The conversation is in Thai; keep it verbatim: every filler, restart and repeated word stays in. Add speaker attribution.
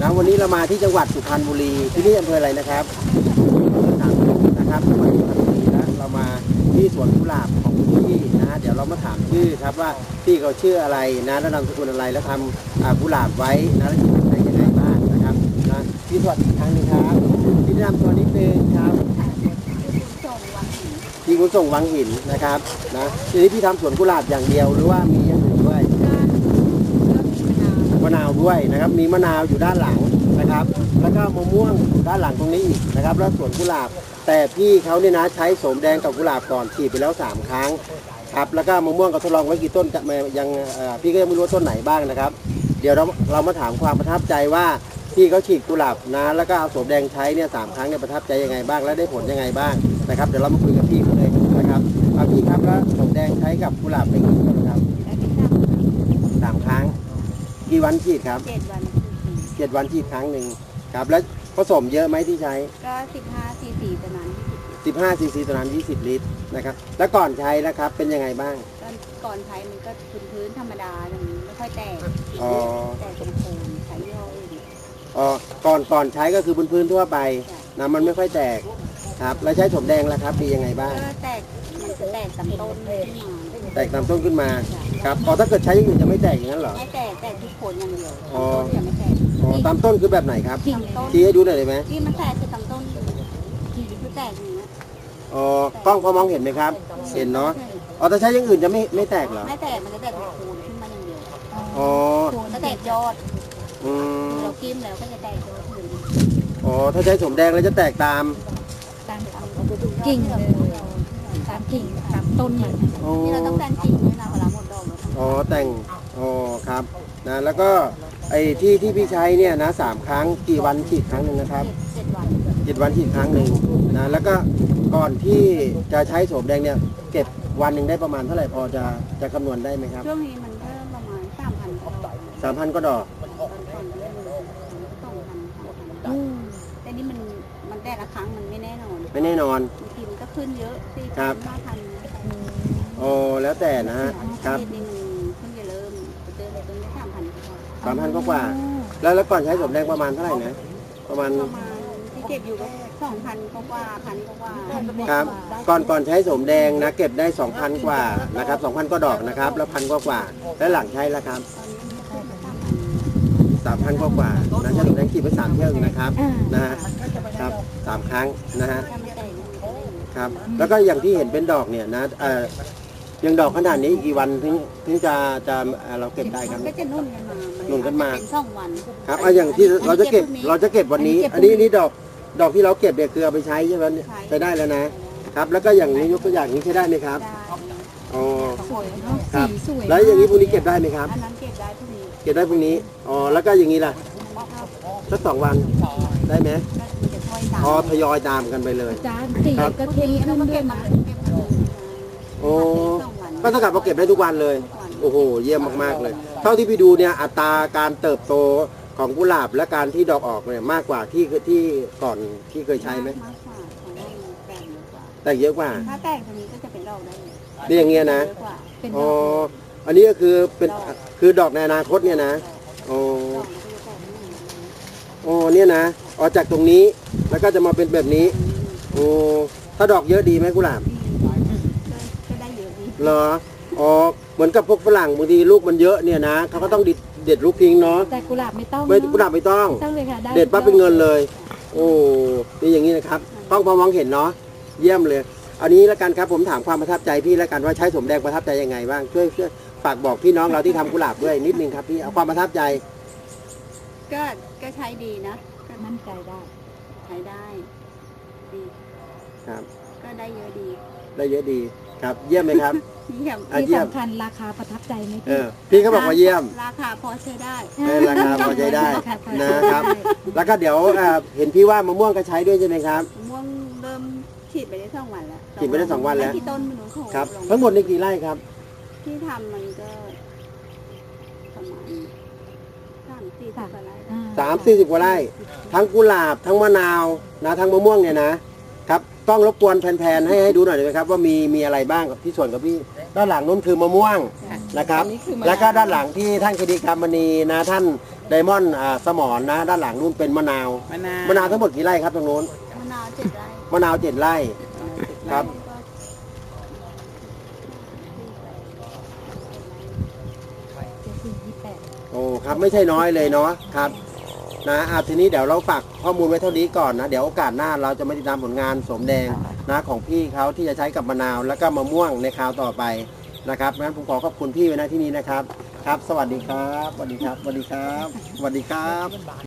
Speaker 1: นะวันนี้เรามาที่จังหวัดสุพรรณบุรีที่นี่อำเภออะไรนะครับนะครับจังหวัดสุพรรณบุรีนะเรามาที่สวนกุหลาบของพี่นะเดี๋ยวเรามาถามชื่อครับว่าพี่เขาชื่ออะไรนะแล้วนามสกุลอะไรแล้วทำกุหลาบไว้นะแล้วทำได้ยังไงบ้างนะครับนะพี่สวัสดีอีกครั้งนึงครับพี่นำตัวนิดนึงครับพี่คุณส่งวังหินนะครับนะทีนี้พี่ทำสวนกุหลาบอย่างเดียวหรือว่ามีอย่างอื่นด้วยมะนาวด้วยนะครับมีมะนาวอยู่ด้านหลังนะครับแล้วก็มะม่วงอยู่ด้านหลังตรงนี้อีกนะครับแล้วสวนกุหลาบแต่พี่เขาเนี่ยนะใช้โสมแดงกับกุหลาบก่อนฉีดไปแล้วสามครั้งครับแล้วก็มะม่วงก็ทดลองไว้กี่ต้นยังพี่ก็ยังไม่รู้ต้นไหนบ้างนะครับเดี๋ยวเราเรามาถามความประทับใจว่าพี่เขาฉีดกุหลาบนะแล้วก็เอาโสมแดงใช้เนี่ยสามครั้งเนี่ยประทับใจยังไงบ้างและได้ผลยังไงบ้างนะครับเดี๋ยวเรามาคุยกับพี่เขาเลยนะครับเอาพี่ครับแล้วโสมแดงใช้กับกุหลาบเป็นกี่ต้นครับสามครั้งกี่วันฉีดครับ
Speaker 2: เจ็ดวัน
Speaker 1: เจ็ดวันฉีดครั้งหนึ่งครับแล้วผสมเยอะไหมที่ใช้
Speaker 2: ก็สิบห้าซีซีประมาณ
Speaker 1: สิบห้าซีซีต่อน้ำยี่สิบลิตรนะครับแล้วก่อนใช้แล้วครับเป็นยังไงบ้าง
Speaker 2: ก่อนใช้มันก็พื้นพื้นธรรมดาอย่างนี้ไม่ค่อยแตกแต่ตรงโคนใช้ย่อเอง
Speaker 1: อ๋อก่อนก่อนใช้ก็คือพื้นพื้นทั่วไปนะมันไม่ค่อยแตกครับแล้วใช้โสมแดงแล้วครับดียังไงบ้าง
Speaker 2: ก็แตกมันจะแตกตามต้นขึ้นมา
Speaker 1: แตกตามต้นขึ้นมาครับอ๋อถ้าเกิดใช้อย่างอื่นจะไม่แตกอย่างนั้นเหรอ
Speaker 2: ไม่แตกแตกที่โคนอย่างเดียวอ๋อจะไม่แตก
Speaker 1: อ๋อตามต้นคือแบบไหนครับชี้ให้ดูหน่อยได้ไหม
Speaker 2: ที่มันแตกคือตามต้นคือแตกอย่างนี้
Speaker 1: อ๋อกล้องพอมองเห็นไหมครับเห็นเนาะอ๋อถ้าใช้อย่างอื่นจะไม่ไม่แตกเหรอ
Speaker 2: ไม่แตกมันจะแตกโคนขึ้นมาอย่างเดียว
Speaker 1: อ๋อ
Speaker 2: จะแตกยอด
Speaker 1: อืม
Speaker 2: เรากิ้มแล้วก็จะแตกยอดเลย
Speaker 1: อ๋อถ้าใช้โสมแดงแล้วจะแตกตาม
Speaker 2: ตามกิ่งเลยตามกิ่งตามต้นเลยนี่เราต้องแต่งกิ่งด้วยนะเวลาหมดดอก
Speaker 1: อ๋อแต่งอ๋อครับนะแล้วก็ไอ้ที่ที่พี่ใช้เนี่ยนะสามครั้งกี่วันฉีดครั้งหนึ่งนะครับ
Speaker 2: เจ็ดวัน
Speaker 1: เจ็ดวันฉีดครั้งหนึ่งนะแล้วก็ก่อนที่จะใช้โสมแดงเนี่ยเก็บวันหนึ่งได้ประมาณเท่าไหร่พอจะจะคำนวณได้ไหมครับ
Speaker 2: ช่วงนี้มันก็ประมาณสามพันก็ดอก
Speaker 1: สามพันก็ดอก
Speaker 2: แต่นี่มันมันแต่ละครั้งมันไม่แน่นอน
Speaker 1: ไม่แน่นอน
Speaker 2: บางทีมันก็ขึ้นเยอะสี่พันห้าพัน
Speaker 1: โอ้แล้วแต่นะฮะครับ
Speaker 2: ขึ้นจะเริ่มเจอตรงนี้สามพัน
Speaker 1: สามพันก็กว่าแล้วแล้วก่อนใช้โสมแดงประมาณเท่าไหร่นะประมาณ
Speaker 2: ที่เก็บอยู่ก็สองพันกว่าพันกว่า
Speaker 1: ครับก่อนก่อนใช้โสมแดงนะเก็บได้สองพันกว่านะครับสองพันก็ดอกนะครับแล้วพันกว่ากว่าแล้วหลังใช้แล้วครับสามพันกว่ากว่านะใช้โสมแดงฉีดไปสามเที่ยวนะครับนะฮะครับสามครั้งนะฮะครับแล้วก็อย่างที่เห็นเป็นดอกเนี่ยนะเอ่อยังดอกขนาดนี้อีกกี่วันถึงถึงจะจะเราเก็บได้ครับ
Speaker 2: ก็จะนุ่นกันมา
Speaker 1: นุ่นกันมา
Speaker 2: เป็นสองวัน
Speaker 1: ครับเอาอย่างที่เราจะเก็บเราจะเก็บวันนี้อันนี้นี่ดอกดอกที่เราเก็บเนี่ยคือเอาไปใช้ใช่ไหมใช้ได้แล้วนะครับแล้วก็อย่างนี้ยกตัวอย่างนี้ใช้ได้ไหมครับอ๋อครับแล้วอย่างนี้พรุ่งนี้เก็บได้ไหมครับ
Speaker 2: อันนั้นเก็บได้พรุ่งนี้
Speaker 1: เก็บได้พรุ่งนี้อ๋อแล้วก็อย่างนี้ล่ะสักสองวันได้ไหมอ๋อทยอยตามกันไปเลย
Speaker 2: จานสีก็เทขึ้นด้วยมา
Speaker 1: โอ้ก็เท่ากับเราเก็บได้ทุกวันเลยโอ้โหเยี่ยมมากๆเลยเท่าที่พี่ดูเนี่ยอัตราการเติบโตของกุหลาบและการที่ดอกออกเนี่ยมากกว่าที่ที่ก่อนที่เคยใช้ไหมแต่เยอะกว่า
Speaker 2: ถ้าแตกตรงนี้ก็จะเป็นดอกได้
Speaker 1: นี่อย่างเงี้ยนะอ๋ออันนี้ก็คือเป็นคือดอกในอนาคตเนี่ยนะโอ้โอ้เนี่ยนะออกจากตรงนี้แล้วก็จะมาเป็นแบบนี้โอ้ถ้าดอกเยอะดีไหมกุหลาบ
Speaker 2: ก็ได้เยอะดี
Speaker 1: เหรออ๋อเหมือนกับพวกฝรั่งบางทีลูกมันเยอะเนี่ยนะเขาก็ต้องเด็ดเด็ดลูกทิ้งเนาะ
Speaker 2: แต่กุหลาบไม่ต้อง
Speaker 1: ไม่กุหลาบไม่ต้องเด็ดปั๊บเป็นเงินเลยโอ้นี่อย่างนี้นะครับต้องพอมองเห็นเนาะเยี่ยมเลยอันนี้แล้วกันครับผมถามความประทับใจพี่แล้วกันว่าใช้โสมแดงประทับใจยังไงบ้างช่วยช่วยฝากบอกพี่น้องเราที่ทำกุหลาบด้วยนิดนึงครับพี่เอาความประทับใจ
Speaker 2: ก็ก็ใช้ดีนะก็มั่นใจได้ใช้ได้ดี
Speaker 1: ครับ
Speaker 2: ก็ได้เยอะดี
Speaker 1: ได้เยอะดีครับเยี่ยมไหมครับ
Speaker 2: เยี่ยม
Speaker 3: ที่สำคัญราคาประทับใจไหมพี่
Speaker 1: พี่เขาบอกว่าเยี่ยม
Speaker 2: ราคาพอใช้ได้
Speaker 1: ราคาพอใช้ได้นะครับแล้วก็เดี๋ยวเห็นพี่ว่ามะม่วงก็ใช้ด้วยใช่ไหมครับ
Speaker 2: มะม่วงเริ่มฉีดไปได้สองวันแล้ว
Speaker 1: ฉีดไปได้สองวันแล้ว
Speaker 2: ที่ต้นมันของ
Speaker 1: ครับทั้งหมดในกี่ไร่ครับ
Speaker 2: ที่ทำมันก็ประมาณสามสี่สิบกว่าไร่
Speaker 1: สามสี่สิบกว่าไร่ทั้งกุหลาบทั้งมะนาวนะทั้งมะม่วงเนี่ยนะครับต้องรบกวนแผนๆให้ให้ดูหน่อยได้ไหมครับว่ามีมีอะไรบ้างกับที่ส่วนกับพี่ด้านหลังนู้นคือมะม่วงนะครับแล้วก็ด้านหลังที่ท่านคดีคามณีนะท่านไดมอนด์อ่าสมอนนะด้านหลังนู้นเป็นมะนาว
Speaker 4: มะนาว
Speaker 1: มะนาวทั้งหมดกี่ไร่ครับตรงนู้น
Speaker 2: มะนาวเจ็ดไร่
Speaker 1: มะนาวเจ็ดไร่ครับ
Speaker 3: เจ็ดสี่ยี่แปด
Speaker 1: โอ้ครับไม่ใช่น้อยเลยเนาะครับนะอาทีนี้เดี๋ยวเราฝากข้อมูลไว้เท่านี้ก่อนนะเดี๋ยวโอกาสหน้าเราจะมาติดตามผลงานสมแดงนะของพี่เขาที่จะใช้กับมะนาวแล้วก็มะม่วงในคราวต่อไปนะครับงั้นผมขอขอบคุณพี่ไว้นะที่นี้นะครับครับ สวัสดีครับสวัสดีครับสวัสดีครับสวัสดีครับ